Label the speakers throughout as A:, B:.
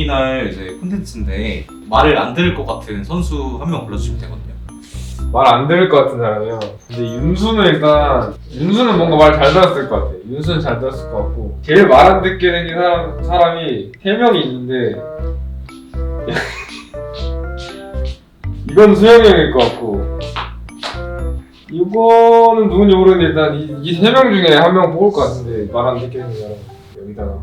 A: 우리날 이제 콘텐츠인데 말을 안 들을 것 같은 선수 한 명 불러주시면 되거든요.
B: 말 안 들을 것 같은 사람이요. 근데 윤수는 뭔가 말 잘 들었을 것 같아. 윤수는 잘 들었을 것 같고 제일 말 안 듣게 생긴 사람이 3명이 있는데 이건 수영이 형일 것 같고 이거는 누군지 모르겠는데 일단 이 3명 중에 한 명 뽑을 것 같은데 말 안 듣게 생긴 사람 여기다가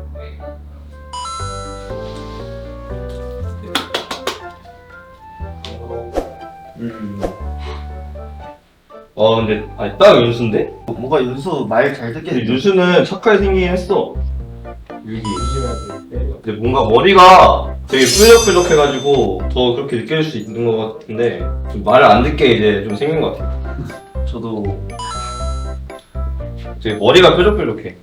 C: 근데 아니 딱 윤수인데?
D: 뭔가 윤수 말 잘 듣게
C: 근데 윤수는 착하게 생기긴 했어.
B: 여기 조심해야 돼.
C: 근데 뭔가 머리가 되게 뾰족뾰족해가지고 더 그렇게 느껴질 수 있는 것 같은데 좀 말을 안 듣게 이제 좀 생긴 것 같아요.
D: 저도
C: 되게 머리가 뾰족뾰족해.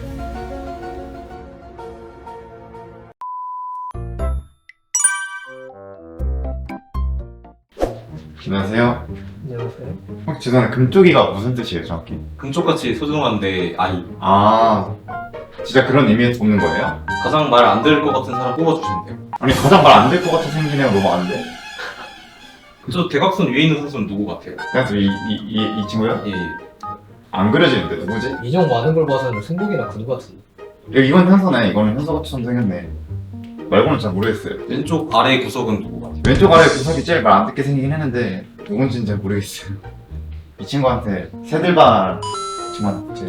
E: 안녕하세요.
B: 안녕하세요.
E: 혹시 죄송한데 금쪽이가 무슨 뜻이에요, 정확히?
A: 금쪽같이 소중한데 아이.
E: 아, 진짜 그런 의미에서 뽑는 거예요?
A: 가장 말 안 들을 것 같은 사람 뽑아주시면 돼요.
E: 아니 가장 말 안 될 것 같아 생긴 애가 너무 안 돼.
A: 저 대각선 위에 있는 선수는 누구 같아요?
E: 그래서 이 친구요?
A: 예.
E: 안 그려지는데 누구지?
F: 인형 많은 걸 봐서는 승복이나 근우 같은데.
E: 이건 현서네. 이거는 현서같이 생겼네. 말고는 잘 모르겠어요.
A: 왼쪽 아래 구석은 누구 같아요?
E: 왼쪽 아래 구석이 제일 말 안 듣게 생기긴 했는데 누군지는 잘 모르겠어요. 이 친구한테 새들발 친구한테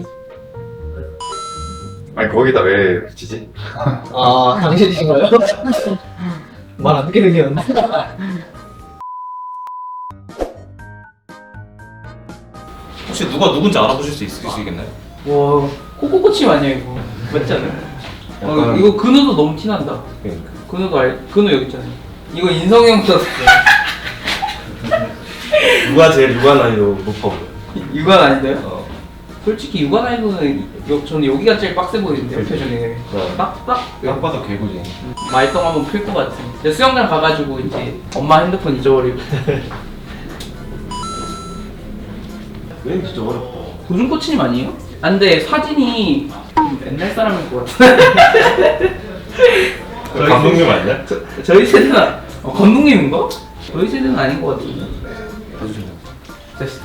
E: 아니 거기다 왜 붙이지?
F: 아, 당신이신가요? 말 안 듣게 생겼는데.
A: 혹시 누가 누군지 알아보실 수 있으시겠나요?
G: 와, 코코코치 아니야 이거? 맞지 않아요?
C: 약간-
G: 이거 근우도 너무 티난다.
C: 그러니까.
G: 근우 여기 있잖아요. 이거 인성이 형보다
C: 누가 제일 누가 난이도 높아 보여?
G: 육안 아닌데요? 솔직히 육안 아니고는 저는 여기가 제일 빡세 보이는데요, 표정이. 빡빡.
A: 딱 봐도 개구지.
G: 말똥 한번 필 것 같은. 이제 수영장 가가지고 이제 엄마 핸드폰 잊어버리고.
C: 그림 진짜 어렵다.
G: 고준 코치님 아니에요? 아, 근데 사진이 좀 옛날 사람일 것 같은데.
C: 감독님 아니야?
G: 저희 세대는 감독님인가? 저희 세대는 아닌 것 같은데.
A: 봐주시면
G: 됐어.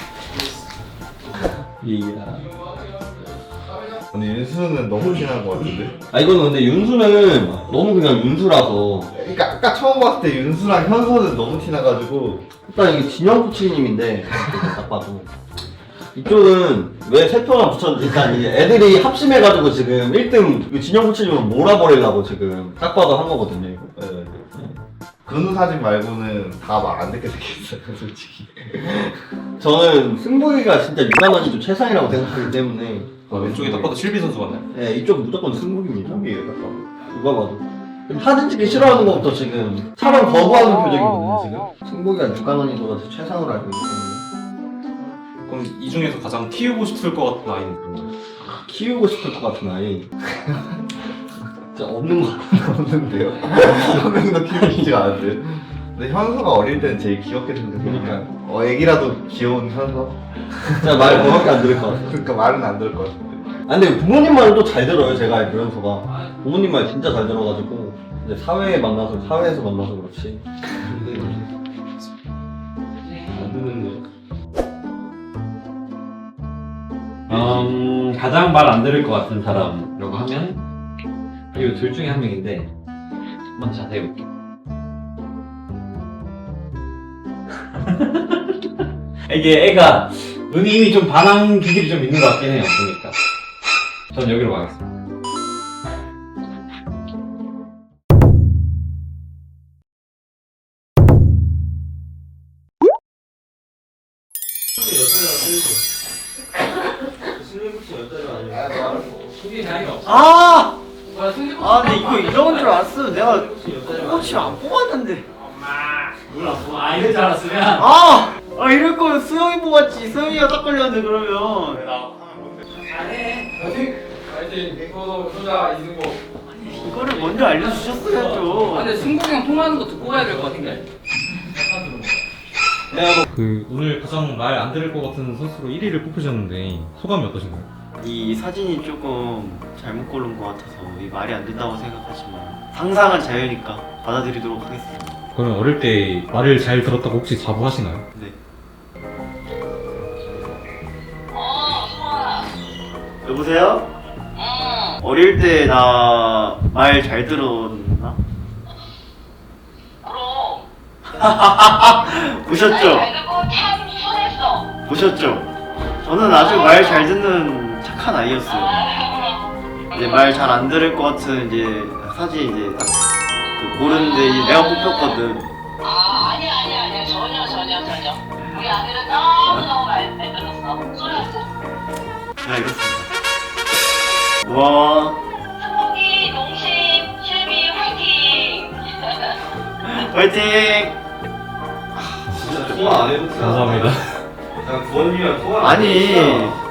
D: 근데 윤수는 너무 티난 것 같은데?
C: 아 이거는 근데 윤수는 너무 그냥 윤수라서
D: 그러니까 아까 처음 봤을 때 윤수랑 현서는 너무 티나가지고
C: 일단 이게 진영 코치님인데 딱 봐도 이쪽은 왜 세 표만 붙였는지 일단 이제 애들이 합심해가지고 지금 1등 진영 코치님을 몰아버리려고 지금 딱 봐도 한 거거든요 이거. 네.
D: 근우 사진 말고는 다 말 안 듣게 생겼어요 솔직히.
C: 저는 승복이가 진짜 유난하지 좀 최상이라고 생각하기 때문에
A: 왼쪽에 딱 봐도 실비 선수 같나요?
C: 네, 이쪽 무조건 승복입니다. 이게 딱 봐도 누가 봐도 사진 찍기 싫어하는 것부터 지금 촬영 거부하는 표정이거든요 지금. 승복이가 유난한이도가 최상으로 알고 있기 때문에
A: 그럼 이 중에서 가장 키우고 싶을 것 같은 아이는 누구예요?
C: 키우고 싶을 것 같은 아이 진짜 없는 것
D: 없는데요. 한 명도 키우고 싶지가 않은데. 근데 현서가 어릴 때는 제일 귀엽게 생겼으니까 애기라도 귀여운 현서?
C: 진짜 말 그거밖에 안 들을 것 같아.
D: 그러니까 말은 안 들을 것 같은데.
C: 아 근데 부모님 말은 또 잘 들어요 제가 알기로 현서가 부모님 말 진짜 잘 들어가지고 이제 사회에서 만나서 그렇지 안 듣는데
H: 가장 말 안 들을 것 같은 사람이라고 하면 이 둘 중에 한 명인데 한번 자세히 볼게요. 이게 애가 눈이 이미 좀 반항 기질이 좀 있는 것 같긴 해요. 보니까 전 여기로 가겠습니다.
D: 근데 이거 이런 줄 알았으면 내가 코치를 안 뽑았는데.
H: 이럴 줄 알았으면
D: 이럴 거면 수영이 뽑았지. 수영이가 딱 걸렸는데 그러면. 이거를 먼저 알려주셨어야죠.
G: 근데 승복이 형 통화하는 거 듣고 가야 될 것 같은데.
A: 오늘 가장 말 안 들을 것 같은 선수로 1위를 뽑히셨는데 소감이 어떠신가요?
I: 이 사진이 조금 잘못 고른 것 같아서 이 말이 안 된다고 생각하지만 상상은 자유니까 받아들이도록 하겠습니다.
A: 그러면 어릴 때 말을 잘 들었다고 혹시 자부하시나요?
I: 네. 여보세요? 어릴 때 나 말 잘 들었나?
J: 그럼
I: 보셨죠?
J: 잘 듣고 참 순했어.
I: 보셨죠? 저는 아주 말 잘 듣는 착한 아이였어요. 이제 말 잘 안 들을 것 같은 이제 사진 이제 딱 그 고르는데 이제 내가 뽑혔거든.
J: 아니야 전혀. 우리 아들은 너무 말 들었어. 순했어.
I: 네, 알겠습니다. 와,
J: 승복이, 농심, 실비 화이팅!
I: 화이팅!
C: 진짜 통화 안 해도
A: 감사합니다.
C: 그냥 부모님이랑 통화 안
I: 아니,
C: 해도